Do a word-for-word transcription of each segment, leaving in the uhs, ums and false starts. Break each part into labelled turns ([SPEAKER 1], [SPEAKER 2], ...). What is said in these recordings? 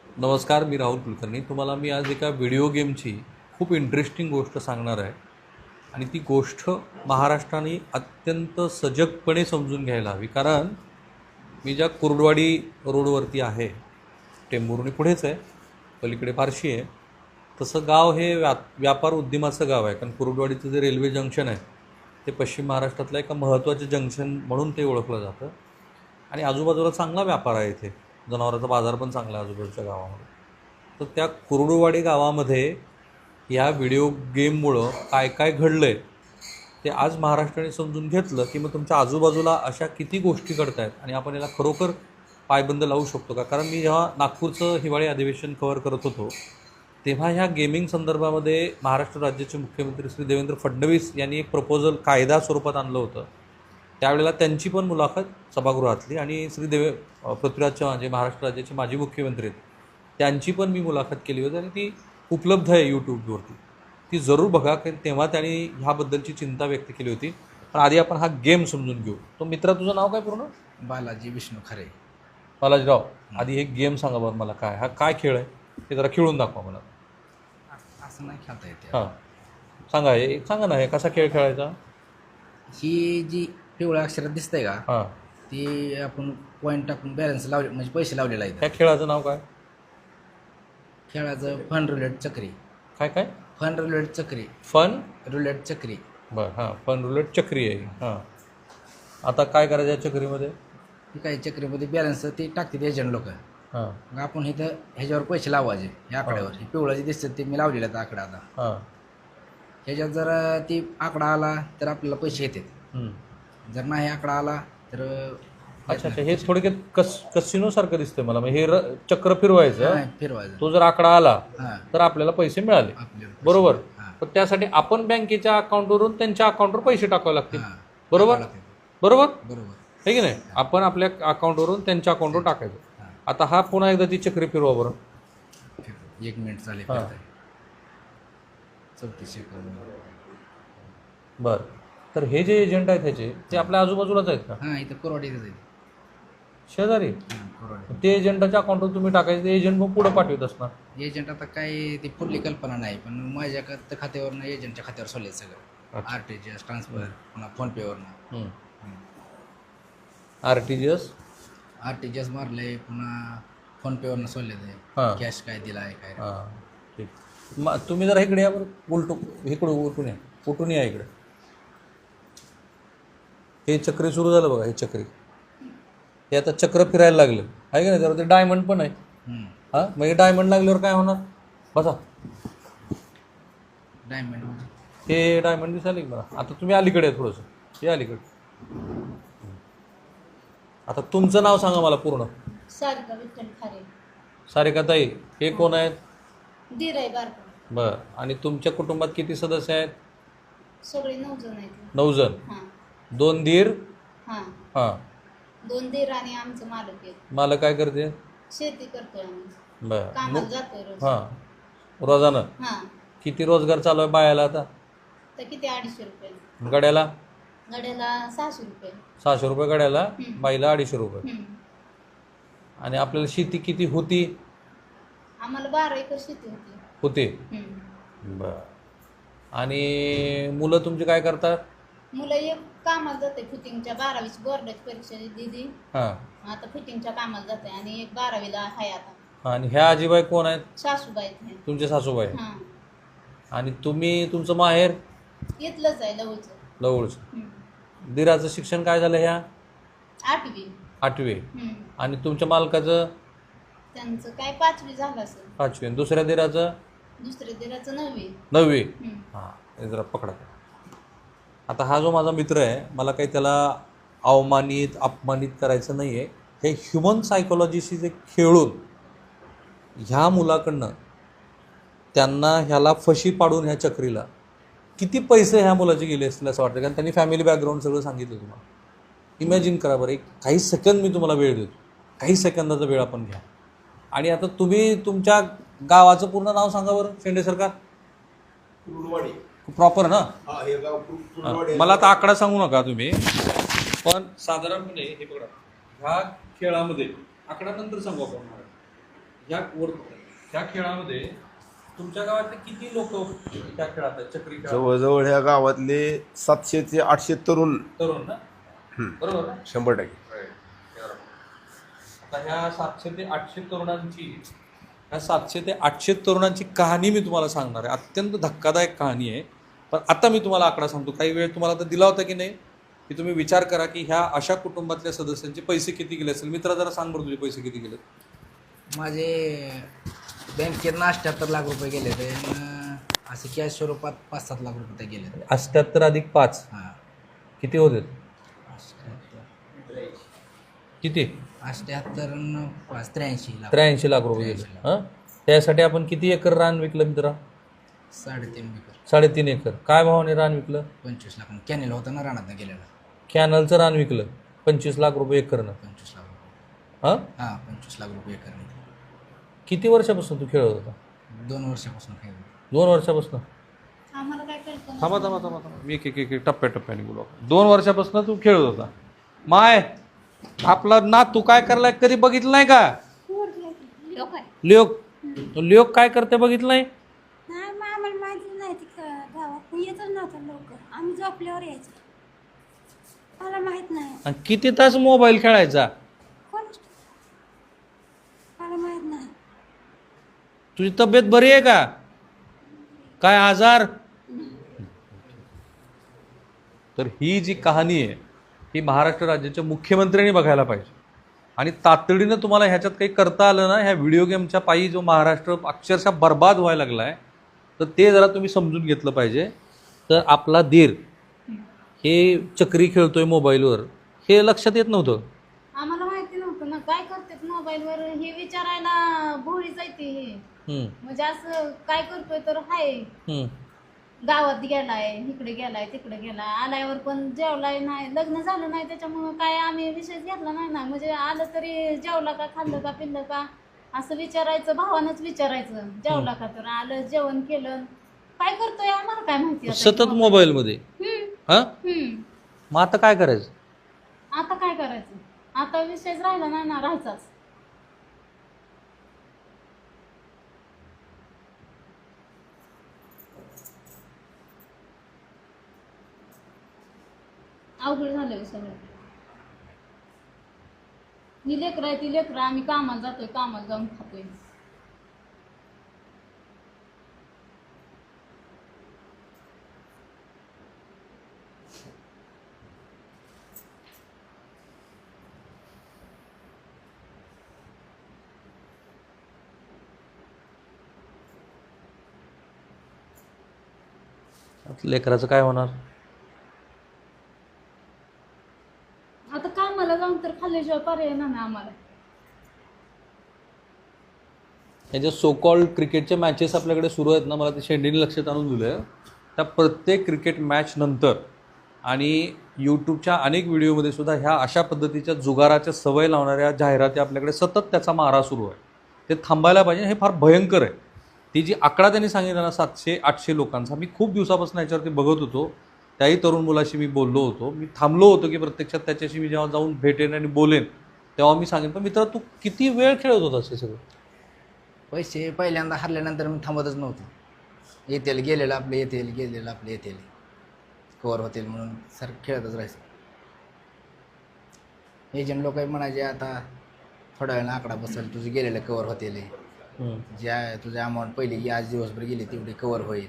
[SPEAKER 1] नमस्कार, मी राहुल कुलकर्णी. तुम्हाला मी आज एका व्हिडिओ गेमची खूप इंटरेस्टिंग गोष्ट सांगणार आहे आणि ती गोष्ट महाराष्ट्राने अत्यंत सजगपणे समजून घ्यायला हवी. कारण मी ज्या कुर्डवाडी रोडवरती आहे, टेंभुर्णी पुढेच आहे, पलीकडे फारशी आहे, तसं गाव हे व्या व्यापार उद्यमाचं गाव आहे. कारण कुर्डवाडीचं जे रेल्वे जंक्शन आहे ते पश्चिम महाराष्ट्रातलं एका महत्त्वाचं जंक्शन म्हणून ते ओळखलं जातं आणि आजूबाजूला चांगला व्यापार आहे. इथे जनावरांचा बाजार पण चांगला आहे आजूबाजूच्या गावामध्ये. तर त्या कुर्डुवाडी गावामध्ये या व्हिडिओ गेममुळं काय काय घडलं आहे ते आज महाराष्ट्राने समजून घेतलं की मग तुमच्या आजूबाजूला अशा किती गोष्टी घडत आहेत आणि आपण याला खरोखर पायबंद लावू शकतो का. कारण मी जेव्हा नागपूरचं हिवाळी अधिवेशन कव्हर करत होतो तेव्हा ह्या गेमिंग संदर्भामध्ये महाराष्ट्र राज्याचे मुख्यमंत्री श्री देवेंद्र फडणवीस यांनी एक प्रपोजल कायदा स्वरूपात आणलं होतं. त्यावेळेला त्यांची पण मुलाखत सभागृहातली आणि श्री देवे पृथ्वीराज चव्हाण जे महाराष्ट्र राज्याचे माजी मुख्यमंत्री आहेत त्यांची पण मी मुलाखत केली होती आणि ती उपलब्ध आहे यूट्यूबवरती. ती जरूर बघा, कारण तेव्हा त्यांनी ह्याबद्दलची चिंता व्यक्त केली होती. पण आधी आपण हा गेम समजून घेऊ. तो मित्रा, तुझं नाव काय पूर्ण?
[SPEAKER 2] बालाजी विष्णू खरे.
[SPEAKER 1] बालाजीराव, आधी एक गेम सांगा बरं मला, काय हा काय खेळ आहे ते जरा खेळून दाखवा मला.
[SPEAKER 2] असं नाही खेळता येते.
[SPEAKER 1] हां सांगा, हे सांगा ना, हे कसा खेळ खेळायचा.
[SPEAKER 2] ही जी पिवळ्या अक्षरात दिसतंय का,
[SPEAKER 1] हां,
[SPEAKER 2] ती आपण पॉईंट टाकून बॅलन्स लावले म्हणजे पैसे लावलेला आहे.
[SPEAKER 1] त्या खेळाचं नाव काय?
[SPEAKER 2] खेळाचं फन रुलेट चक्री.
[SPEAKER 1] काय काय?
[SPEAKER 2] फन रुलेट चक्री.
[SPEAKER 1] फन
[SPEAKER 2] रुलेट चक्री.
[SPEAKER 1] बरं, हां, फन रुलेट चक्री आहे. हां, आता काय करायचं या चक्रीमध्ये?
[SPEAKER 2] ही काही चक्रीमध्ये बॅलन्स ती टाकतात एजंट लोक.
[SPEAKER 1] हां
[SPEAKER 2] मग आपण इथं ह्याच्यावर पैसे लावायचे ह्या आकड्यावर. हे पिवळं जे दिसतं ते मी लावलेलं आहे आकडा. आता
[SPEAKER 1] हां
[SPEAKER 2] ह्याच्यात जर ती आकडा आला तर आपल्याला पैसे येतात.
[SPEAKER 1] हं.
[SPEAKER 2] जर नाही आकडा आला तर
[SPEAKER 1] अच्छा अच्छा, हे थोडक्यात कस कसिनोसारखं दिसतंय मला. म्हणजे हे र चक्र फिरवायचं,
[SPEAKER 2] नाही फिरवायचं.
[SPEAKER 1] तो जर आकडा आला
[SPEAKER 2] हां,
[SPEAKER 1] तर आपल्याला पैसे मिळाले,
[SPEAKER 2] आपल्याला पैसे.
[SPEAKER 1] बरोबर.
[SPEAKER 2] हां,
[SPEAKER 1] पण त्यासाठी आपण बँकेच्या अकाउंटवरून त्यांच्या अकाउंटवर पैसे टाकावे लागतील,
[SPEAKER 2] हां.
[SPEAKER 1] बरोबर
[SPEAKER 2] टाकावं लागतं.
[SPEAKER 1] बरोबर
[SPEAKER 2] बरोबर.
[SPEAKER 1] आहे की नाही. आपण आपल्या अकाउंटवरून त्यांच्या अकाउंटवर टाकायचं.
[SPEAKER 2] हां.
[SPEAKER 1] आता हा पुन्हा एकदा ती चक्री फिरवा बरं.
[SPEAKER 2] एक मिनिट चालेल.
[SPEAKER 1] हां.
[SPEAKER 2] चौतीस सेकंद.
[SPEAKER 1] बरं, तर हे जे एजंट आहेत ह्याचे ते आपल्या आजूबाजूलाच आहेत का?
[SPEAKER 2] हां, इथं कोरवाडीतच आहे.
[SPEAKER 1] शेजारी?
[SPEAKER 2] हां, कोरवाडी.
[SPEAKER 1] ते एजंटाच्या अकाउंटवर तुम्ही टाकायचं, ते एजंट मग पुढं पाठवत असणार.
[SPEAKER 2] एजंट आता काय ती पुढली कल्पना नाही, पण माझ्या खात- खात्यावरनं एजंटच्या खात्यावर सोडले सगळं.
[SPEAKER 1] अच्छा.
[SPEAKER 2] R T G S transfer, पुन्हा फोनपेवरनं.
[SPEAKER 1] हं. R T G S
[SPEAKER 2] R T G S मारले, पुन्हा फोनपेवरनं सोडले ते.
[SPEAKER 1] हां
[SPEAKER 2] कॅश काय दिला आहे काय.
[SPEAKER 1] हां ठीक. मग तुम्ही जरा इकडे या बरं, उलटू इकडं उलटून या, उलटून या इकडे. हे चक्री सुरू झालं बघा, हे चक्री हे आता चक्र फिरायला लागलं आहे का नाही. त्यावर ते डायमंड पण आहे.
[SPEAKER 2] हम्म.
[SPEAKER 1] हां, मग हे डायमंड लागल्यावर काय होणार? बसा,
[SPEAKER 2] डायमंड म्हणजे
[SPEAKER 1] हे डायमंड दिसायला की मला. आता तुम्ही अलीकडे आहे थोडंसं, हे अलीकडे. आता तुमचं नाव सांगा मला पूर्ण.
[SPEAKER 3] सारिका विठ्ठल खारे.
[SPEAKER 1] सारिकाताई, हे कोण आहेत?
[SPEAKER 3] दीर आहे बारका.
[SPEAKER 1] बरं, आणि तुमच्या कुटुंबात किती सदस्य आहेत?
[SPEAKER 3] सगळे नऊ जण आहेत.
[SPEAKER 1] नऊ जण.
[SPEAKER 3] हां
[SPEAKER 1] दोन दीर.
[SPEAKER 3] हां
[SPEAKER 1] हां,
[SPEAKER 3] दोन दीर आणि आमचं मालक आहे.
[SPEAKER 1] मला काय करते?
[SPEAKER 3] शेती करतोय आम्ही.
[SPEAKER 1] बरं.
[SPEAKER 3] कामाला जातोय रोज.
[SPEAKER 1] हां, रोजानं
[SPEAKER 3] हां,
[SPEAKER 1] किती रोजगार चालू आहे बायाला आता?
[SPEAKER 3] तर किती अडीचशे रुपये.
[SPEAKER 1] गड्याला
[SPEAKER 3] गड्याला सहाशे रुपये.
[SPEAKER 1] सहाशे रुपये गड्याला,
[SPEAKER 3] हं.
[SPEAKER 1] बाईला अडीचशे रुपये.
[SPEAKER 3] हं.
[SPEAKER 1] आणि आपल्याला शेती किती होती?
[SPEAKER 3] आम्हाला बारा एकर शेती होती.
[SPEAKER 1] होते.
[SPEAKER 3] हं.
[SPEAKER 1] बरं. आणि मुलं तुमची काय करतात?
[SPEAKER 3] मुलं एक कामाला जाते फिटिंगच्या, बारावीची बोर्डाची परीक्षा दिली.
[SPEAKER 1] हां,
[SPEAKER 3] आता फिटिंगच्या कामाला जाते आणि एक बारावीला आहे आता.
[SPEAKER 1] आणि ह्या आजीबाई कोण आहेत?
[SPEAKER 3] सासूबाई आहेत.
[SPEAKER 1] तुमचे सासूबाई.
[SPEAKER 3] हां,
[SPEAKER 1] आणि तुम्ही, तुमचं माहेर
[SPEAKER 3] इथलंच आहे लवचं.
[SPEAKER 1] जवळचं.
[SPEAKER 3] हं.
[SPEAKER 1] दिराचं शिक्षण काय झालं ह्या?
[SPEAKER 3] आठवी.
[SPEAKER 1] आठवे.
[SPEAKER 3] हं.
[SPEAKER 1] आणि तुमच्या मालकाचं?
[SPEAKER 3] त्यांचं काय पाचवी झालं असेल.
[SPEAKER 1] पाचवे. आणि दुसऱ्या दिराचं?
[SPEAKER 3] दुसऱ्या दिराचं नववी.
[SPEAKER 1] नववी.
[SPEAKER 3] हं.
[SPEAKER 1] हां, हे जरा पकडा. आता हा जो माझा मित्र आहे, मला काही त्याला अवमानित अपमानित करायचं नाही आहे. हे ह्युमन सायकोलॉजीशी जे खेळून ह्या मुलाकडनं त्यांना ह्याला फशी पाडून ह्या चक्रीला किती पैसे ह्या मुलाचे गेले असतील असं वाटतं. कारण त्यांनी फॅमिली बॅकग्राऊंड सगळं सांगितलं तुम्हाला. इमॅजिन करा बरं, एक काही सेकंद मी तुम्हाला वेळ देतो, काही सेकंदाचा वेळ आपण घ्या. आणि आता तुम्ही तुमच्या गावाचं पूर्ण नाव सांगा बरं, शेंडे सरकार.
[SPEAKER 4] कुर्डवाडी.
[SPEAKER 1] प्रॉपर ना?
[SPEAKER 4] हा, हे गाव कुर- कुर्डवाडी.
[SPEAKER 1] मला आता आकडा सांगू नका तुम्ही, पण साधारणपणे हे बघा, ह्या खेळामध्ये आकडा नंतर सांगू आपण. ह्या वर त्या खेळामध्ये तुमच्या गावातले किती लोक त्या खेळात आहेत चक्री खेळात
[SPEAKER 4] जवळजवळ ह्या गावातले सातशे ते आठशे तरुण
[SPEAKER 1] तरुण ना
[SPEAKER 4] हम्म.
[SPEAKER 1] बरोबर ना
[SPEAKER 4] शंभर टक्के
[SPEAKER 1] आता ह्या सातशे ते आठशे तरुणांची ह्या सातशे ते आठशे तरुणांची कहाणी मी तुम्हाला सांगणार आहे. अत्यंत धक्कादायक कहाणी आहे. पण आता मी तुम्हाला आकडा सांगतो. काही वेळ तुम्हाला तर दिला होता की नाही की तुम्ही विचार करा की ह्या अशा कुटुंबातल्या सदस्यांचे पैसे किती गेले असेल. मित्रा जरा सांग बरं तुझे पैसे किती गेले.
[SPEAKER 2] माझे बँकेतनं अठ्ठ्याहत्तर लाख रुपये गेले ते असे कॅश स्वरूपात पाच सात लाख रुपये गेले.
[SPEAKER 1] अठ्ठ्याहत्तर अधिक पाच
[SPEAKER 2] हां
[SPEAKER 1] किती होते
[SPEAKER 2] अठ्ठ्याहत्तर
[SPEAKER 1] किती
[SPEAKER 2] अठ्ठ्याहत्तर न पाच त्र्याऐंशी लाख
[SPEAKER 1] त्र्याऐंशी लाख रुपये गेले. हां त्यासाठी आपण किती एकर रान विकलं मित्रा.
[SPEAKER 2] साडेतीन एकर
[SPEAKER 1] साडेतीन एकर. काय भावाने रान विकलं.
[SPEAKER 2] पंचवीस लाख कॅनेल होता ना रानातनं गेलेला.
[SPEAKER 1] कॅनलचं रान विकलं पंचवीस लाख रुपये एकरनं.
[SPEAKER 2] पंचवीस लाख रुपये
[SPEAKER 1] हां
[SPEAKER 2] हां पंचवीस लाख रुपये एकर.
[SPEAKER 1] किती वर्षापासून तू खेळत होता.
[SPEAKER 2] दोन वर्षापासून खेळ.
[SPEAKER 1] दोन वर्षापासून.
[SPEAKER 3] आम्हाला काय कळतं
[SPEAKER 1] थांबा थांबा थांबा थांबा मी एक एक एक एक टप्प्याटप्प्याने बोलू आपण. दोन वर्षापासून तू खेळत होता. माय आपला ना तू काय करलाय कधी बघितलं नाही का.
[SPEAKER 3] लोक आहे.
[SPEAKER 1] लिओक लिओक काय करते बघितलं नाही.
[SPEAKER 5] नाही मग आम्हाला माहिती नाही ती क- गावात येतच नव्हतं लवकर. आम्ही झोपल्यावर यायचो. मला माहीत नाही.
[SPEAKER 1] आणि किती तास मोबाईल खेळायचा.
[SPEAKER 5] कोण मला माहीत नाही.
[SPEAKER 1] तुझी तब्येत बरी आहे का. काय आजार. तर ही जी कहाणी आहे ही महाराष्ट्र राज्याच्या मुख्यमंत्र्यांनी बघायला पाहिजे. आणि तातडीनं तुम्हाला ह्याच्यात काही करता आलं ना ह्या व्हिडिओ गेमच्या पायी जो महाराष्ट्र अक्षरशः बर्बाद व्हायला लागला आहे तर ते जरा तुम्ही समजून घेतलं पाहिजे. तर आपला धीर हे चक्री खेळतोय मोबाईलवर हे लक्षात येत नव्हतं.
[SPEAKER 3] आम्हाला माहिती नव्हतं ना काय करतात मोबाईलवर हे विचारायला भोळीच आहे ती हे.
[SPEAKER 1] हम्म,
[SPEAKER 3] म्हणजे असं काय करतोय तर हाय
[SPEAKER 1] हम्म.
[SPEAKER 3] गावात गेलाय इकडे गेलाय तिकडे गेलाय आल्यावर पण जेवलाय नाही लग्न झालं नाही त्याच्यामुळं काय आम्ही विषय घेतला नाही ना. म्हणजे आलं तरी जेवला का खाल्लं का पिल्लं का असं विचारायचं भावानंच विचारायचं. जेवला का तर आलं जेवण केलं काय करतोय आम्हाला काय माहिती आता.
[SPEAKER 1] सतत मोबाईलमध्ये.
[SPEAKER 3] हम्म,
[SPEAKER 1] हां
[SPEAKER 3] हम्म.
[SPEAKER 1] मग आता काय करायचं.
[SPEAKER 3] आता काय करायचं आता विषयच राहिला नाही ना राहायचाच. अवघड झालं सगळं. ही लेकरं आहे ती लेकरं आम्ही कामाला जातोय कामाला जाऊन खातोय.
[SPEAKER 1] लेकराचं काय होणार.
[SPEAKER 3] आता कामाला जाऊन तर खाल्ल्याशिवाय पर्याय नाही आम्हाला.
[SPEAKER 1] हे जे सो कॉल्ड क्रिकेटच्या मॅचेस आपल्याकडे सुरू आहेत ना मला ते शेंडीने लक्षात आणून दिलं आहे. त्या प्रत्येक क्रिकेट मॅच नंतर आणि यूट्यूबच्या अनेक व्हिडिओमध्ये सुद्धा ह्या अशा पद्धतीच्या जुगाराच्या सवय लावणाऱ्या जाहिराती आपल्याकडे सतत त्याचा मारा सुरू आहे. ते थांबायला पाहिजे. हे फार भयंकर आहे. ती जी आकडा त्यांनी सांगितला ना सातशे आठशे लोकांचा मी खूप दिवसापासून याच्यावरती बघत होतो. त्याही तरुण मुलाशी मी बोललो होतो. मी थांबलो होतो की प्रत्यक्षात त्याच्याशी मी जेव्हा जाऊन भेटेन आणि बोलेन तेव्हा मी सांगेन. पण मित्र तू किती वेळ खेळत होतास हे सगळं.
[SPEAKER 2] पैसे पहिल्यांदा हरल्यानंतर मी थांबतच नव्हतो. येतील गेलेलं आपले येतील गेलेलं आपले येतील कवर होतील म्हणून सर खेळतच राहायचं. एजंट लोक म्हणायचे आता थोड्या वेळानं आकडा बसेल तुझे गेलेलं कवर होतील. ज्या तुझे अमाऊंट पहिली की आज दिवसभर गेली तेवढी कवर होईल.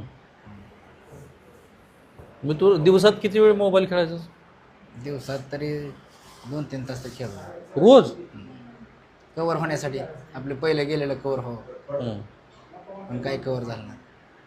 [SPEAKER 1] मग तू दिवसात किती वेळ मोबाईल खेळायचा.
[SPEAKER 2] दिवसात तरी दोन तीन तास तर खेळतो
[SPEAKER 1] रोज.
[SPEAKER 2] कवर होण्यासाठी आपले पहिले गेलेलं कवर हो पण काही कवर झालं नाही.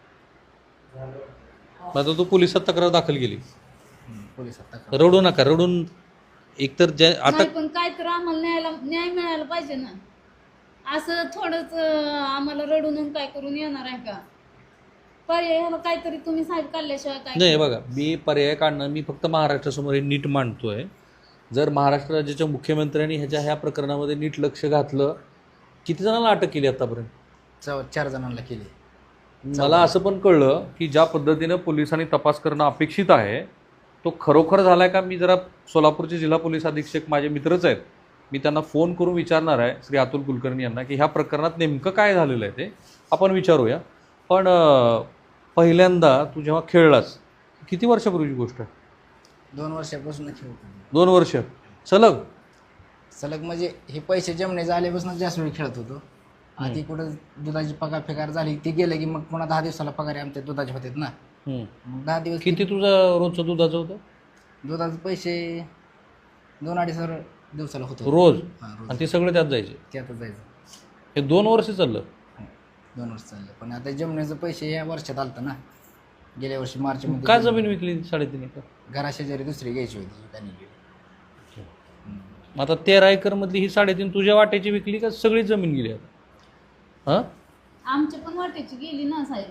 [SPEAKER 1] मग आता तू पोलिसात तक्रार दाखल केली.
[SPEAKER 2] पोलिसात तक्रार
[SPEAKER 1] रडू नका. रडून एकतर ज्या आता
[SPEAKER 3] नाही पण काय तर आम्हाला न्यायला न्याय मिळायला पाहिजे ना. असं थोडंच अं, आम्हाला रडून काय करून येणार आहे का. पर्याय ह्याला काहीतरी तुम्ही साहेब काढल्याशिवाय काय.
[SPEAKER 1] नाही बघा मी पर्याय काढणं मी फक्त महाराष्ट्रासमोर हे नीट मांडतोय. जर महाराष्ट्र राज्याच्या मुख्यमंत्र्यांनी ह्याच्या ह्या प्रकरणामध्ये नीट लक्ष घातलं. किती जणांना अटक केली आतापर्यंत.
[SPEAKER 2] चौ चार जणांना केली.
[SPEAKER 1] मला असं पण कळलं की ज्या पद्धतीनं पोलिसांनी तपास करणं अपेक्षित आहे तो खरोखर झाला आहे का. मी जरा सोलापूरचे जिल्हा पोलीस अधीक्षक माझे मित्रच आहेत मी त्यांना फोन करून विचारणार आहे श्री अतुल कुलकर्णी यांना की ह्या प्रकरणात नेमकं काय झालेलं आहे ते आपण विचारूया. पण अं, पहिल्यांदा तू जेव्हा खेळलास किती वर्षापूर्वीची गोष्ट आहे?
[SPEAKER 2] दोन वर्षापासून खेळतो
[SPEAKER 1] दोन वर्ष सलग?
[SPEAKER 2] सलग म्हणजे हे पैसे जमणे झाल्यापासून जास्त वेळ खेळत होतो. आधी कुठं दुधाची पगार फेकार झाली ती गेलं की मग पुन्हा दहा दिवसाला पगार आमच्या दुधाचे होतात ना.
[SPEAKER 1] हम्म.
[SPEAKER 2] मग दहा दिवस
[SPEAKER 1] किती तुझं रोजचं दुधाचं होतं?
[SPEAKER 2] दुधाचे पैसे दोन अडीच हजार दिवसाला होतो
[SPEAKER 1] रोज?
[SPEAKER 2] हां रोज
[SPEAKER 1] आणि ते सगळे त्यात जायचे?
[SPEAKER 2] त्यातच जायचं.
[SPEAKER 1] हे दोन वर्ष चाललं?
[SPEAKER 2] दोन वर्ष चाललं. पण आता जमण्याचं पैसे या वर्षात आलतं ना. गेल्या वर्षी मार्च मध्ये
[SPEAKER 1] का जमीन विकली साडेतीन एकर?
[SPEAKER 2] घराशेजारी दुसरी घ्यायची होती त्यांनी गेली.
[SPEAKER 1] मग आता तेरा एकर मधली ही साडेतीन तुझ्या वाट्याची विकली का सगळी जमीन गेली आता? हां
[SPEAKER 3] आमच्या पण वाटेची गेली ना साहेब.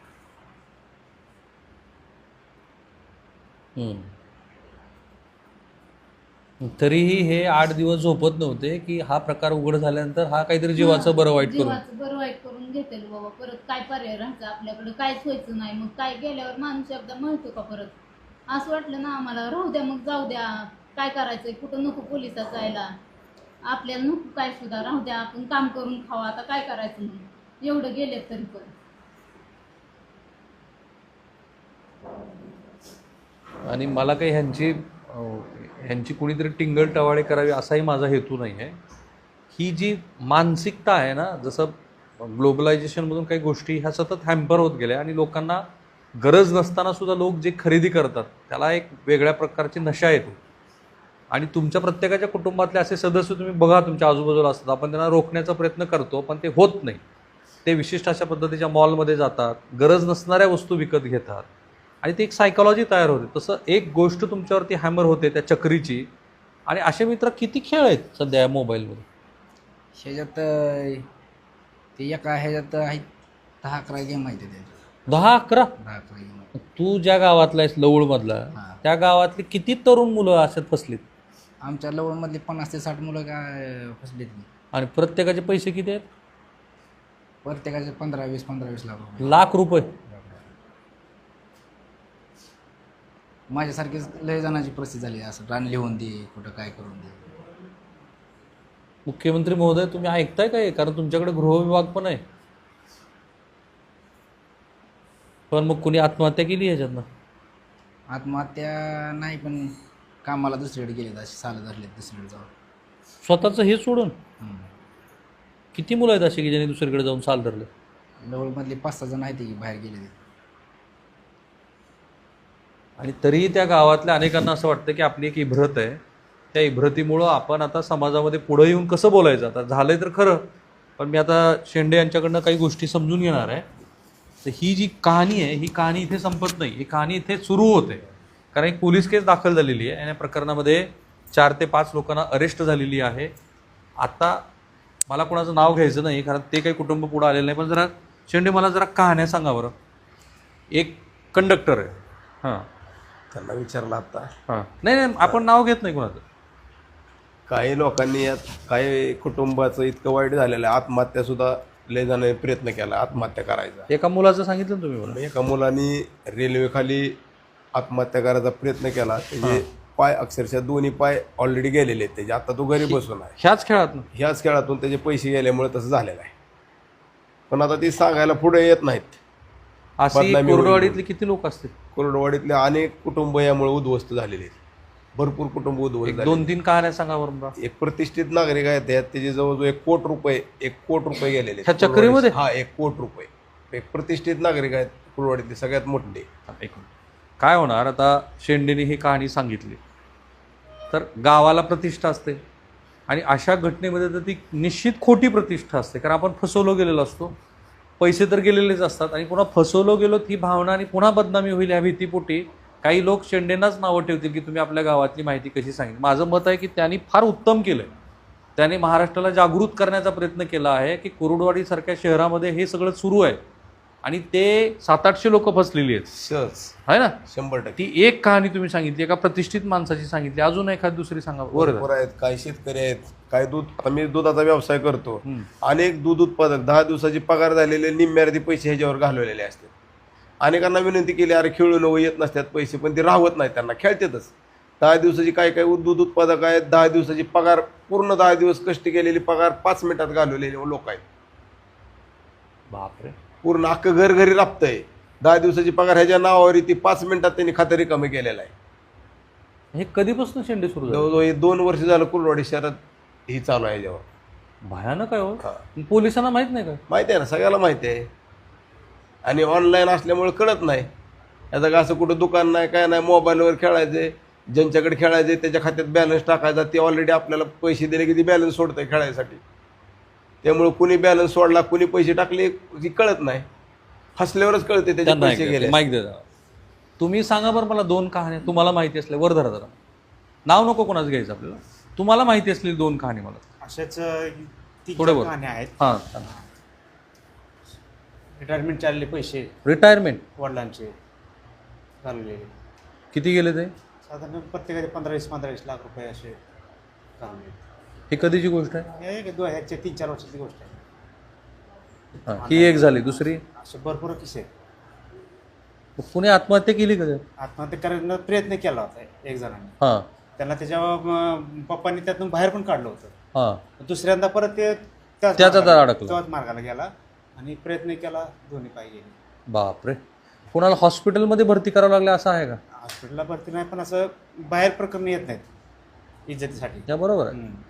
[SPEAKER 1] तरीही हे आठ दिवस झोपत नव्हते की हा प्रकार उघड झाल्यानंतर हा काहीतरी जीवाचं बरं वाईट करून.
[SPEAKER 3] जीवाचं बरं वाईट करून घेतेल बाबा. परत काय पर्याय राहायचा आपल्याकडे? काहीच व्हायचं नाही. मग काय गेल्यावर माणूस एकदा म्हणतो का परत? असं वाटलं ना आम्हाला राहू द्या मग जाऊ द्या. काय करायचंय? कुठं नको पोलिसात जायला. आपल्याला नको काय सुद्धा राहू द्या. आपण काम करून खावा. आता काय करायचं म्हणून एवढं गेले तरी पण.
[SPEAKER 1] आणि मला काही ह्यांची अं, ह्यांची कुणीतरी टिंगल टवाळे करावी असाही माझा हेतू नाही आहे. ही जी मानसिकता आहे ना, जसं ग्लोबलायझेशनमधून काही गोष्टी ह्या सतत हॅम्पर होत गेल्या आणि लोकांना गरज नसताना सुद्धा लोक जे खरेदी करतात त्याला एक वेगळ्या प्रकारची नशा येते. आणि तुमच्या प्रत्येकाच्या कुटुंबातले असे सदस्य तुम्ही बघा तुमच्या आजूबाजूला असतात. आपण त्यांना रोखण्याचा प्रयत्न करतो पण ते होत नाही. ते विशिष्ट अशा पद्धतीच्या मॉलमध्ये जातात, गरज नसणाऱ्या वस्तू विकत घेतात आणि ती एक सायकॉलॉजी तयार होते. तसं एक गोष्ट तुमच्यावरती हॅमर होते त्या चक्रीची. आणि असे मित्र किती खेळ आहेत सध्या या मोबाईलमध्ये?
[SPEAKER 2] ह्याच्यात अं, ते एका ह्याच्यात आहेत दहा अकरा गेम आहेत त्याच्यात.
[SPEAKER 1] दहा अकरा?
[SPEAKER 2] दहा अकरा गेम आहेत.
[SPEAKER 1] तू ज्या गावातला आहेस लवळमधला,
[SPEAKER 2] हां.
[SPEAKER 1] त्या गावातली किती तरुण मुलं अशात फसलीत?
[SPEAKER 2] आमच्या लवणमधली पन्नास ते साठ मुलं काय फसलेत नाही.
[SPEAKER 1] आणि प्रत्येकाचे पैसे किती आहेत?
[SPEAKER 2] प्रत्येकाचे पंधरा वीस पंधरा वीस लाख रुपये.
[SPEAKER 1] लाख रुपये.
[SPEAKER 2] माझ्यासारखीच लय जणांची परिस्थिती झाली. असं रान लिहून दे, कुठं काय करून दे.
[SPEAKER 1] मुख्यमंत्री महोदय तुम्ही ऐकताय काय? कारण तुमच्याकडे गृहविभाग पण आहे. पण मग कुणी आत्महत्या केली ह्याच्यातनं?
[SPEAKER 2] आत्महत्या नाही पण कामाला दुसरीकडे गेलेत असे साल धरलेत दुसरीकडे जाऊन.
[SPEAKER 1] स्वतःचं हे सोडून
[SPEAKER 2] हम्म.
[SPEAKER 1] किती मुलं आहेत अशी की ज्यांनी दुसरीकडे जाऊन साल धरले?
[SPEAKER 2] लवळमधले पाच सहा जण आहेत की बाहेर गेले.
[SPEAKER 1] आणि तरीही त्या गावातल्या अनेकांना असं वाटतं की आपली एक इब्रत आहे. त्या इब्रतीमुळं आपण आता समाजामध्ये पुढं येऊन कसं बोलायचं? आता झालंय तर खरं, पण मी आता शेंडे यांच्याकडनं काही गोष्टी समजून घेणार आहे. तर ही जी कहाणी आहे ही कहाणी इथे संपत नाही. ही कहाणी इथे सुरू होते. कारण एक पोलीस केस दाखल झालेली आहे आणि या प्रकरणामध्ये चार ते पाच लोकांना अरेस्ट झालेली आहे. आता मला कोणाचं नाव घ्यायचं नाही कारण ते काही कुटुंब पुढं आलेलं नाही. पण जरा शेंडे मला जरा कहाण्या सांगा बरं. एक कंडक्टर आहे. हां
[SPEAKER 4] त्यांना विचारलं आता.
[SPEAKER 1] हां नाही नाही आपण नाव घेत नाही कोणाचं.
[SPEAKER 4] काही लोकांनी यात काही कुटुंबाचं इतकं वाईट झालेलं आहे, आत्महत्या सुद्धा लय जणांनी प्रयत्न केला आत्महत्या करायचा.
[SPEAKER 1] एका मुलाचं सांगितलं ना तुम्ही मला.
[SPEAKER 4] एका मुलांनी रेल्वेखाली आत्महत्या करायचा प्रयत्न केला. त्याचे पाय अक्षरशः दोन्ही पाय ऑलरेडी गेलेले आहेत त्याचे. आता तो घरी बसून आहे.
[SPEAKER 1] ह्याच खेळात ना?
[SPEAKER 4] ह्याच खेळातून त्याचे पैसे गेल्यामुळे तसं झालेलं आहे. पण आता ती सांगायला पुढे येत नाहीत.
[SPEAKER 1] अशी
[SPEAKER 4] बदनामी होईल.
[SPEAKER 1] कोरडवाडीतले किती लोक असतील?
[SPEAKER 4] कोरडवाडीतले अनेक कुटुंब यामुळे उद्ध्वस्त झालेले आहेत. भरपूर कुटुंब उद्ध्वस्त
[SPEAKER 1] एक
[SPEAKER 4] झाले.
[SPEAKER 1] दोन तीन कहाण्या सांगा बरं मला.
[SPEAKER 4] एक प्रतिष्ठित नागरिक आहेत त्यात त्याचे जवळजवळ एक कोट रुपये एक कोट रुपये गेलेले आहेत.
[SPEAKER 1] ह्या चक्रीमध्ये?
[SPEAKER 4] हा एक कोट रुपये. एक प्रतिष्ठित नागरिक आहेत कुरवाडीतले सगळ्यात मोठे.
[SPEAKER 1] एक मिनिट. काय होणार आता शेंडेने ही कहाणी सांगितली तर गावाला प्रतिष्ठा असते आणि अशा घटनेमध्ये तर ती निश्चित खोटी प्रतिष्ठा असते. कारण आपण फसवलो गेलेलो असतो, पैसे तर गेलेलेच असतात आणि पुन्हा फसवलो गेलो ही भावना आणि पुन्हा बदनामी होईल ह्या भीतीपोटी काही लोक शेंडेंनाच नावं ठेवतील की तुम्ही आपल्या गावातली माहिती कशी सांगितली. माझं मत आहे की त्यांनी फार उत्तम केलं आहे. त्याने महाराष्ट्राला जागृत करण्याचा प्रयत्न केला आहे की कुरुडवाडीसारख्या शहरामध्ये हे सगळं सुरू आहे आणि ते सात आठशे लोक फसलेली आहेत.
[SPEAKER 4] सहज
[SPEAKER 1] आहे ना?
[SPEAKER 4] शंभर टक्के.
[SPEAKER 1] ती एक कहाणी तुम्ही सांगितली, एका प्रतिष्ठित माणसाची सांगितली. अजून एखादी दुसरी सांगा.
[SPEAKER 4] बरोबर आहेत. काही शेतकरी आहेत, काही दूध. आता मी दुधाचा व्यवसाय करतो.
[SPEAKER 1] हम्म.
[SPEAKER 4] अनेक दूध उत्पादक दहा दिवसाची पगार झालेले निम्म्यार्धी पैसे ह्याच्यावर घालवलेले असतात. अनेकांना विनंती केली अरे खेळू नको, येत नसतात पैसे, पण ते राहत नाहीत. त्यांना खेळतातच. दहा दिवसाची काय काय दूध उत्पादक आहेत, दहा दिवसाची पगार पूर्ण दहा दिवस कष्ट केलेली पगार पाच मिनिटात घालवलेले लोक आहेत.
[SPEAKER 1] बापरे.
[SPEAKER 4] पूर्ण अख्खं घर घरी राबतंय. दहा दिवसाची पगार ह्याच्या नावावर ती पाच मिनिटात त्यांनी खातं रिकामी केलेलं आहे.
[SPEAKER 1] हे कधीपासून शेंडे सुरू झाले?
[SPEAKER 4] जवळजवळ हे दोन वर्ष झालं कुर्डवाडी शहरात ही चालू आहे जेव्हा.
[SPEAKER 1] भयानक आहे हो.
[SPEAKER 4] हा.
[SPEAKER 1] पोलिसांना माहित नाही का?
[SPEAKER 4] माहिती आहे ना, सगळ्याला माहिती आहे. आणि ऑनलाईन असल्यामुळे कळत नाही. याचं का असं कुठं दुकान नाही काय नाही, मोबाईलवर खेळायचे, ज्यांच्याकडे खेळायचे त्याच्या खात्यात बॅलन्स टाकायचा, ते ऑलरेडी आपल्याला पैसे दिले की ती बॅलन्स सोडतंय खेळायसाठी. त्यामुळे कुणी बॅलन्स सोडला कुणी पैसे टाकले की कळत नाही. हसल्यावरच कळते त्याचे पैसे गेले.
[SPEAKER 1] माहिती द्या. तुम्ही सांगा बरं मला दोन कहाण्या तुम्हाला माहिती असल्या, वर धरा जरा, नाव नको कोणाचं घ्यायचं आपल्याला, तुम्हाला माहिती असलेली दोन कहाणी मला
[SPEAKER 6] अशाच तीन
[SPEAKER 1] थोडं
[SPEAKER 6] चार
[SPEAKER 1] बोल.
[SPEAKER 6] कहाण्या आहेत.
[SPEAKER 1] हां.
[SPEAKER 6] रिटायरमेंट चालले पैसे
[SPEAKER 1] रिटायरमेंट
[SPEAKER 6] वडिलांचे घालवलेले,
[SPEAKER 1] किती गेले ते?
[SPEAKER 6] साधारण प्रत्येकाचे पंधरा वीस पंधरा वीस लाख रुपये असे घालवले.
[SPEAKER 1] ही कधीची गोष्ट आहे?
[SPEAKER 6] हे एक दोन ह्याच्या तीन चार वर्षाची गोष्ट आहे.
[SPEAKER 1] हां, ही एक झाली. दुसरी,
[SPEAKER 6] असे भरपूर किस्से आहेत.
[SPEAKER 1] कुणी आत्महत्या केली का?
[SPEAKER 6] आत्महत्या करण्याचा प्रयत्न केला होता एक जणांनी.
[SPEAKER 1] हां
[SPEAKER 6] त्यांना त्याच्या अं, पप्पांनी त्यातून बाहेर पण काढलं होतं.
[SPEAKER 1] हां.
[SPEAKER 6] दुसऱ्यांदा परत ते त्याच
[SPEAKER 1] त्याचा
[SPEAKER 6] मार्गाला-
[SPEAKER 1] तर अडकला.
[SPEAKER 6] त्याच मार्गाला गेला आणि प्रयत्न केला, दोन्ही पाय गेले.
[SPEAKER 1] बापरे. कोणाला हॉस्पिटलमध्ये भरती करावं लागलं असं आहे का?
[SPEAKER 6] हॉस्पिटलला भरती नाही, पण असं बाहेर प्रकरण येत नाहीत इज्जतीसाठी.
[SPEAKER 1] त्या बरोबर आहे.
[SPEAKER 6] हम्म.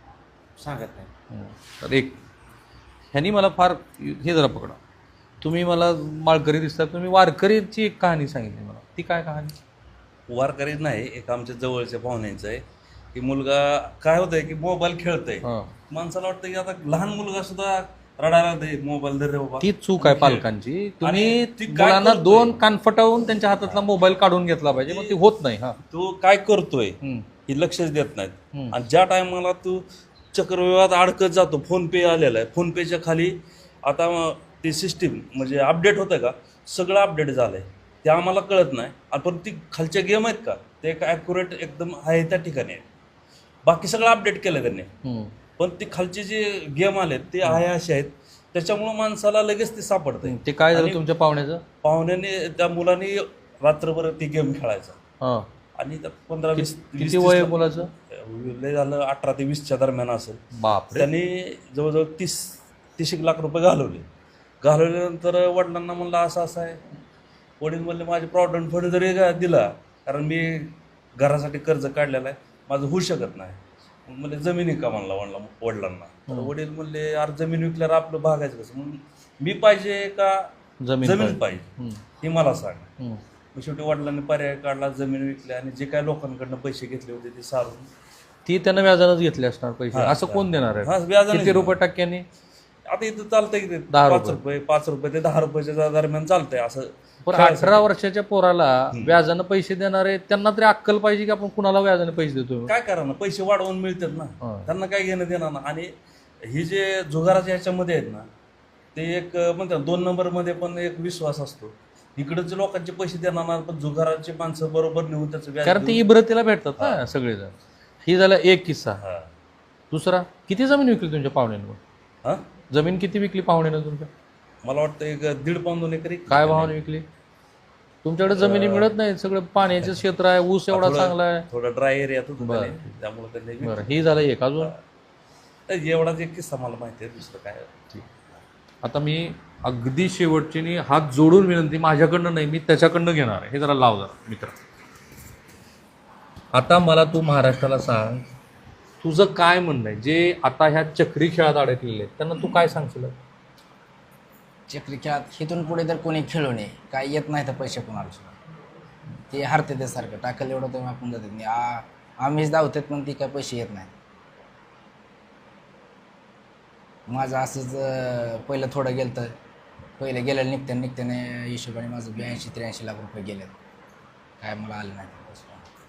[SPEAKER 6] सांगत नाही.
[SPEAKER 1] हं. तर एक ह्यांनी मला फार हे जरा पकडा, तुम्ही मला माळकरी दिसतात, तुम्ही वारकरीची एक कहाणी सांगितली मला, ती काय कहाणी?
[SPEAKER 7] वारकरी नाही, एक आमच्या जवळच्या पाहुण्यांचं आहे की मुलगा काय होतंय की मोबाईल खेळतंय.
[SPEAKER 1] हां.
[SPEAKER 7] माणसाला वाटतं की आता लहान मुलगा सुद्धा रडायला दे मोबाईल दे रे बाबा.
[SPEAKER 1] ती चूक आहे पालकांची. तुम्ही
[SPEAKER 7] ती काय
[SPEAKER 1] मुलांना
[SPEAKER 7] करतोय?
[SPEAKER 1] दोन कानफटावून त्यांच्या हातातला मोबाईल काढून घेतला पाहिजे, मग ते होत नाही. हा.
[SPEAKER 7] तो काय करतोय
[SPEAKER 1] हं.
[SPEAKER 7] हे लक्षच देत नाहीत.
[SPEAKER 1] हं.
[SPEAKER 7] आणि ज्या टायमाला तू चक्रव्यूहात अडकत जातो, फोन पे आलेला आहे, फोन पेच्या खाली आता ती सिस्टीम म्हणजे अपडेट होतं का, सगळं अपडेट झालं आहे, ते आम्हाला कळत नाही. आणि पण ती खालच्या गेम आहेत का, ते एक ॲक्युरेट एकदम आहे त्या ठिकाणी आहे. बाकी सगळं अपडेट केलं त्यांनी,
[SPEAKER 1] हं.
[SPEAKER 7] पण ते खालचे जे गेम आलेत ते आहे असे आहेत, त्याच्यामुळं माणसाला लगेच ते सापडतंय.
[SPEAKER 1] ते काय झालं
[SPEAKER 7] आणि
[SPEAKER 1] तुमच्या पाहुण्याचं?
[SPEAKER 7] पाहुण्याने त्या मुलाने रात्रभर ती गेम खेळायचा
[SPEAKER 1] हां.
[SPEAKER 7] आणि त्या पंधरा वीस
[SPEAKER 1] किती
[SPEAKER 7] वीस-
[SPEAKER 1] वय आहे
[SPEAKER 7] तीस-
[SPEAKER 1] मुलाचं?
[SPEAKER 7] लय झालं अठरा ते वीसच्या दरम्यान असेल.
[SPEAKER 1] बापरे.
[SPEAKER 7] त्यांनी जवळजवळ तीस तीस एक लाख रुपये घालवले. घालवल्यानंतर वडिलांना म्हणलं असं असं आहे. वडील म्हणले माझे प्रॉव्हिडंट फंड जरी गा- दिला, कारण मी घरासाठी कर्ज काढलेलं आहे, माझं होऊ शकत नाही. मग म्हणले जमिनी का म्हणला वडला वडिलांना. तर वडील म्हणले यार जमीन विकल्यावर आपलं भागायचं कसं, म्हणून मी पाहिजे का
[SPEAKER 1] जमीन
[SPEAKER 7] जमीन
[SPEAKER 1] पाहिजे.
[SPEAKER 7] पाहिजे
[SPEAKER 1] हं.
[SPEAKER 7] हे मला सांग.
[SPEAKER 1] हं.
[SPEAKER 7] मग शेवटी वडिलांनी पर्याय काढला, जमीन विकल्या आणि जे काय लोकांकडनं पैसे घेतले होते ते सारून
[SPEAKER 1] ती त्यानं व्याजानंच घेतले असणार पैसे.
[SPEAKER 7] हां,
[SPEAKER 1] असं कोण देणार
[SPEAKER 7] हां,
[SPEAKER 1] आहे?
[SPEAKER 7] व्याजाने
[SPEAKER 1] किती रुपये
[SPEAKER 7] देणार.
[SPEAKER 1] टक्क्यांनी?
[SPEAKER 7] आता इथं चालतंय की ते
[SPEAKER 1] दहा
[SPEAKER 7] पाच
[SPEAKER 1] रुपये.
[SPEAKER 7] रुपये पाच रुपये ते दहा रुपयाच्या दरम्यान चालतंय असं.
[SPEAKER 1] पण
[SPEAKER 7] खेळायसाठी.
[SPEAKER 1] अठरा वर्षाच्या पोराला व्याजानं पैसे देणारे त्यांना तरी अक्कल पाहिजे की आपण कुणाला व्याजाने पैसे देतो.
[SPEAKER 7] काय करा ना, पैसे वाढवून मिळतात ना,
[SPEAKER 1] हां.
[SPEAKER 7] त्यांना काय घेणं देणार ना. आणि ही जे जुगाराच्या ह्याच्यामध्ये आहेत ना, ते एक म्हणतात दोन नंबरमध्ये पण एक विश्वास असतो. इकडचे लोकांचे पैसे देणार ना, पण जुगाराचे माणसं बरोबर नेऊन त्याचं व्याज
[SPEAKER 1] कारण ते
[SPEAKER 7] देऊन-
[SPEAKER 1] इब्रतीला भेटतात ना सगळेजण. ही झाला एक किस्सा.
[SPEAKER 7] हां.
[SPEAKER 1] दुसरा, किती जमीन विकली तुमच्या पाहुण्यानं?
[SPEAKER 7] हां?
[SPEAKER 1] जमीन किती विकली पाहुण्यानं तुमच्या?
[SPEAKER 7] मला वाटतं एक दीड पाऊन दोन एकरी.
[SPEAKER 1] काय भावाने विकली? तुमच्याकडे जमिनी मिळत नाही, सगळं पाण्याचं क्षेत्र आहे, ऊस एवढा
[SPEAKER 7] थोडं-
[SPEAKER 1] चांगला आहे.
[SPEAKER 7] थोडं ड्राय एरियात होतं
[SPEAKER 1] बरं.
[SPEAKER 7] त्याने, त्यामुळे त्यांनी
[SPEAKER 1] बरं, ही झालं एक. अजून
[SPEAKER 7] एवढाच एक किस्सा मला माहिती आहे, दुसरं काय.
[SPEAKER 1] आता मी अगदी शेवटची नी हात जोडून विनंती, माझ्याकडनं नाही, मी त्याच्याकडनं घेणार आहे. हे जरा लाव जरा मित्र. आता मला तू महाराष्ट्राला सांग, तुझं काय म्हणणं आहे जे आता ह्या चक्री खेळात अडकलेले आहेत त्यांना तू काय सांगशील?
[SPEAKER 2] चक्री खेळात इथून पुढे तर कोणी खेळू नये, काय येत नाही तर पैसे कोणाला सुद्धा. ते हरते ते सारखं टाकलं एवढं तर आपण जातात नाही. आ आम्हीच धावतात पण ती काय पैसे येत नाही. माझं असंच अं, पहिलं थोडं गेलं तर पहिलं गेलं निघत्या निघत्याने हिशोबाने माझं ब्याऐंशी त्र्याऐंशी लाख रुपये गेले, काय मला आलं नाही पैसे.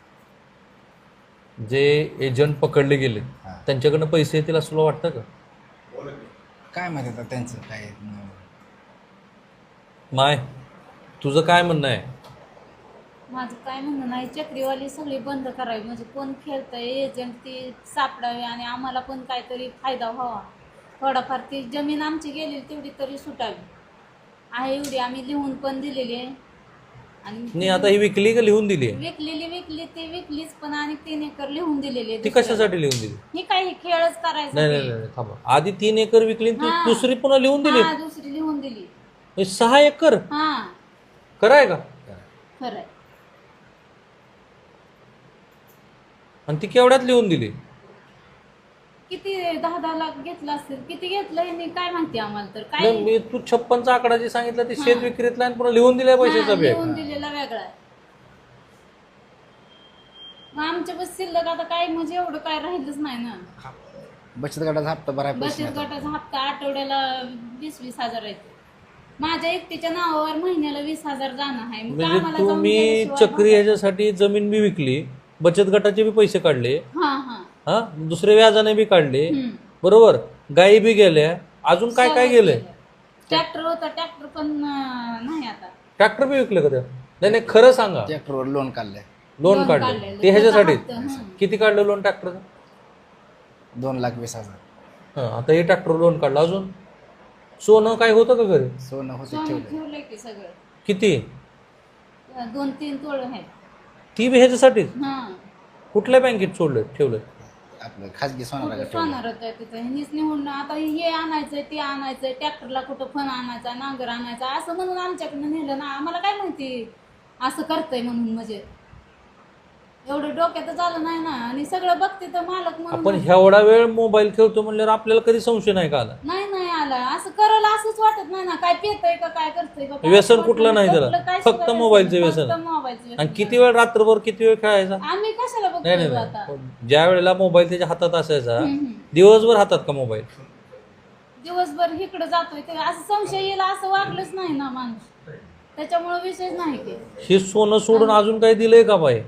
[SPEAKER 1] जे एजंट पकडले गेले
[SPEAKER 2] हां.
[SPEAKER 1] त्यांच्याकडनं पैसे येतील असं तुला वाटतं का?
[SPEAKER 2] काय माहिती आता त्यांचं काय.
[SPEAKER 1] माय, तुझं काय म्हणणं आहे?
[SPEAKER 3] माझं काय म्हणणं नाही, चक्रीवाली सगळी बंद करावी, म्हणजे कोण खेळतंय एजंट ती सापडावी आणि आम्हाला पण काहीतरी फायदा व्हावा. थोडाफार ती जमीन आमची गेलेली तेवढी तरी सुटावी आहे, एवढी आम्ही लिहून पण दिलेली आहे. आणि
[SPEAKER 1] नाही आता ही विकली का लिहून दिली आहे?
[SPEAKER 3] विकलेली विकली ती विकलीच पण आणि तीन एकर लिहून दिलेली आहे
[SPEAKER 1] ती
[SPEAKER 3] दुसऱ्याला.
[SPEAKER 1] कशासाठी लिहून दिली?
[SPEAKER 3] ही काही खेळच करायचा
[SPEAKER 1] नाही नाही
[SPEAKER 3] ते.
[SPEAKER 1] नाही थांबा, आधी तीन एकर विकली आणि ती
[SPEAKER 3] हा.
[SPEAKER 1] दुसरी पुन्हा लिहून दिली.
[SPEAKER 3] हा दुसरी लिहून दिली.
[SPEAKER 1] हे सहा एकर
[SPEAKER 3] हा
[SPEAKER 1] कराय का?
[SPEAKER 3] खरंय.
[SPEAKER 1] आणि ती केवढ्यात लिहून दिली?
[SPEAKER 3] किती दहा दहा लाख घेतला असेल, किती घेतलं हे काय माहिती आम्हाला तर काय
[SPEAKER 1] नाही मी तू छप्पनचा आकडा जे सांगितलं ते शेत विक्रीतला आणि पुन्हा लिहून दिलाय
[SPEAKER 3] हा,
[SPEAKER 1] पैशाचा बॅग.
[SPEAKER 3] लिहून दिलेला वेगळा आहे. मग आमच्या बस शिल्लक आता काय म्हणजे एवढं काय राहिलंच नाही ना.
[SPEAKER 2] बचत गटाचा हप्ता भराय पैसे
[SPEAKER 3] बचत
[SPEAKER 2] नाही.
[SPEAKER 3] गटाचा हप्ता आठवड्याला वीस वीस हजार आहे. माझ्या एकटीच्या नावावर महिन्याला वीस हजार जाणं आहे. मग
[SPEAKER 1] म्हणजे
[SPEAKER 3] आम्हाला जाऊन
[SPEAKER 1] तुम्ही
[SPEAKER 3] गेल्याशिवाय
[SPEAKER 1] चक्री ह्याच्यासाठी जमीन बी विकली, बचत गटाचे बी पैसे काढले,
[SPEAKER 3] हा हा
[SPEAKER 1] हा दुसरे व्याजाने बी काढले,
[SPEAKER 3] हम्म.
[SPEAKER 1] बरोबर, गायी बी गेल्या, अजून काय काय गेलंय?
[SPEAKER 3] ट्रॅक्टर होता, ट्रॅक्टर पण अं, नाही आता.
[SPEAKER 1] ट्रॅक्टर बी विकले का त्या? नाही नाही खरं सांगा.
[SPEAKER 2] ट्रॅक्टरवर लोन काढलंय
[SPEAKER 1] लोन
[SPEAKER 3] लोन
[SPEAKER 1] काढलं
[SPEAKER 3] काढलेलं.
[SPEAKER 1] ते ह्याच्यासाठी
[SPEAKER 3] त्याचा हप्ता, हं.
[SPEAKER 1] किती काढलं लोन ट्रॅक्टरचं?
[SPEAKER 2] दोन लाख वीस हजार.
[SPEAKER 1] हा आता हे ट्रॅक्टर लोन काढलं. अजून सोनं काय होतं का घरी?
[SPEAKER 2] सोनं होतं
[SPEAKER 3] सोनं
[SPEAKER 2] ठेवलं.
[SPEAKER 3] ठेवलंय की सगळं.
[SPEAKER 1] किती?
[SPEAKER 3] दोन तीन तोळ आहेत.
[SPEAKER 1] ती बी ह्याच्यासाठी
[SPEAKER 3] हा
[SPEAKER 1] कुठल्या बँकेत सोडलं ठेवलं?
[SPEAKER 2] आपलं खाजगी सोनाला ठेवलं.
[SPEAKER 3] सोनार होतं तिथं. ह्यांनीच निवडून आता हे आणायचंय ते आणायचंय, ट्रॅक्टरला कुठं फण आणायचा, नांगर आणायचा असं म्हणून आमच्याकडनं नेलं ना. आम्हाला काय माहिती असं करतंय म्हणून. म्हणजे एवढं डोक्यातच आलं नाही ना. आणि सगळं बघते तर मालक
[SPEAKER 1] आपण
[SPEAKER 3] म्हणून
[SPEAKER 1] एवढा वेळ मोबाईल खेळतो म्हणल्यावर आपल्याला कधी संशय नाही का आला?
[SPEAKER 3] नाही नाही आला. असं करायला असंच वाटत नाही ना. काय पितय का काय करतंय का काय
[SPEAKER 1] व्यसन
[SPEAKER 3] वाटत
[SPEAKER 1] कुठलं नाही त्याला.
[SPEAKER 3] कुठलं काय
[SPEAKER 1] फक्त
[SPEAKER 3] सुद्धा
[SPEAKER 1] मोबाईलचं
[SPEAKER 3] व्यसन.
[SPEAKER 1] व्यसन.
[SPEAKER 3] फक्त मोबाईलचं व्यसन.
[SPEAKER 1] आणि किती वेळ रात्रभर किती वेळ खेळायचा?
[SPEAKER 3] आम्ही कशाला
[SPEAKER 1] नाही नाही
[SPEAKER 3] बघतोय आता.
[SPEAKER 1] नाही. ज्या वेळेला मोबाईल त्याच्या हातात असायचा
[SPEAKER 3] हम्म.
[SPEAKER 1] दिवसभर हातात का मोबाईल?
[SPEAKER 3] दिवसभर इकडे जातोय ते असं संशय येईल असं वागलंच नाही ना माणूस. त्याच्यामुळे विषयच नाही की
[SPEAKER 1] हे सोनं सोडून अजून काही दिलंय का बाई?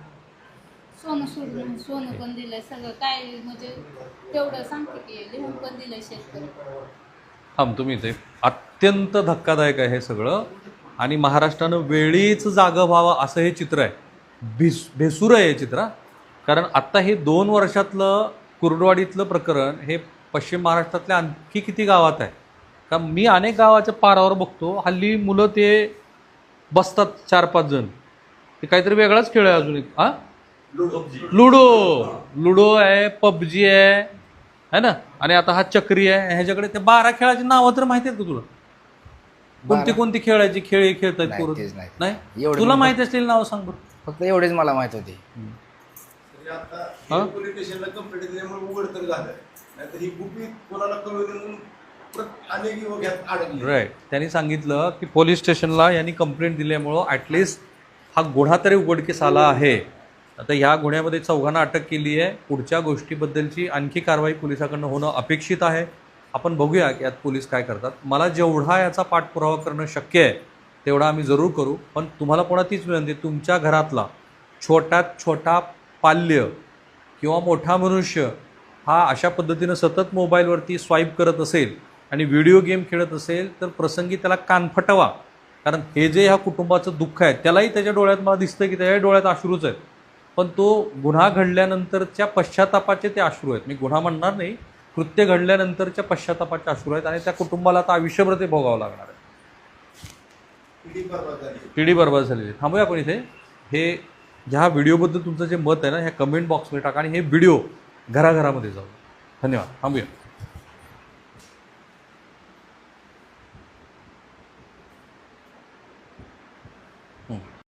[SPEAKER 3] सोनं सोडून सोनं पण दिलंय सगळं काय म्हणजे तेवढं सांगते की लिहून पण दिलंय शेतकरी.
[SPEAKER 1] थांब तुम्ही इथे. अत्यंत धक्कादायक आहे हे सगळं. आणि महाराष्ट्रानं वेळीच जागं व्हावं असं हे चित्र आहे. भिस भेसूर आहे हे चित्र हा. कारण आत्ता हे दोन वर्षातलं कुर्डवाडीतलं प्रकरण हे पश्चिम महाराष्ट्रातल्या आणखी किती गावात आहे का? मी अनेक गावाच्या पारावर बघतो हल्ली मुलं ते बसतात चार पाच जण, ते काहीतरी वेगळाच खेळ आहे. अजून एक हा लुडो लुडो आहे, पबजी आहे है ना, आणि आता हा चक्री आहे. ह्याच्याकडे ते बारा खेळाची नावं तर माहिती आहेत का तुला? कोणती कोणती खेळायची खेळ हे खेळतायत
[SPEAKER 2] नाही,
[SPEAKER 1] पोरं?
[SPEAKER 2] तेच नाही.
[SPEAKER 1] नाही
[SPEAKER 2] एवढं
[SPEAKER 1] तुला
[SPEAKER 2] मी
[SPEAKER 1] माहिती असलेली नावं सांग बरं.
[SPEAKER 2] फक्त एवढेच मला माहित होते.
[SPEAKER 1] हा?
[SPEAKER 4] पोलीस स्टेशनला कंप्लेंट दिल्यामुळे उघड तर झालं. नाहीतर ही गुपित कोणाला कळवली म्हणून परत अनेक युवक यात अडकले.
[SPEAKER 1] राईट. त्यांनी सांगितलं की पोलीस स्टेशनला यांनी कंप्लेंट दिल्यामुळं ॲटलिस्ट हा गुन्हा तरी उघडकीस आला आहे. आता ह्या गुन्ह्यामध्ये चौघांना अटक केली आहे. पुढच्या गोष्टीबद्दलची आणखी कारवाई पोलिसाकडनं होणं अपेक्षित आहे. आपण बघूया की यात पोलीस काय करतात. मला जेवढा याचा पाठपुरावा करणं शक्य आहे तेवढा आम्ही जरूर करू. पण तुम्हाला पुन्हा तीच विनंती, तुमच्या घरातला छोट्यात छोटा पाल्य किंवा मोठा मनुष्य हा अशा पद्धतीनं सतत मोबाईलवरती स्वाईप करत असेल आणि व्हिडिओ गेम खेळत असेल तर प्रसंगी त्याला कान फटवा. कारण हे जे ह्या कुटुंबाचं दुःख आहे त्यालाही त्याच्या डोळ्यात मला दिसतं की त्याच्या डोळ्यात अश्रूच आहेत. पण तो गुन्हा घडल्यानंतरच्या पश्चातापाचे ते अश्रू आहेत. मी गुन्हा म्हणणार नाही, कृत्य घडल्यानंतरच्या पश्चातापाचे अश्रू आहेत. आणि त्या कुटुंबाला आता आयुष्यभर ते भोगावं लागणार आहे.
[SPEAKER 4] पिढी बरबाद झाली.
[SPEAKER 1] पिढी बरबाद झालेली. थांबूया आपण इथे. हे ह्या व्हिडिओबद्दल तुमचं जे मत आहे ना ह्या कमेंट बॉक्समध्ये टाका आणि हे व्हिडिओ घराघरामध्ये जाऊ. धन्यवाद. थांबूया.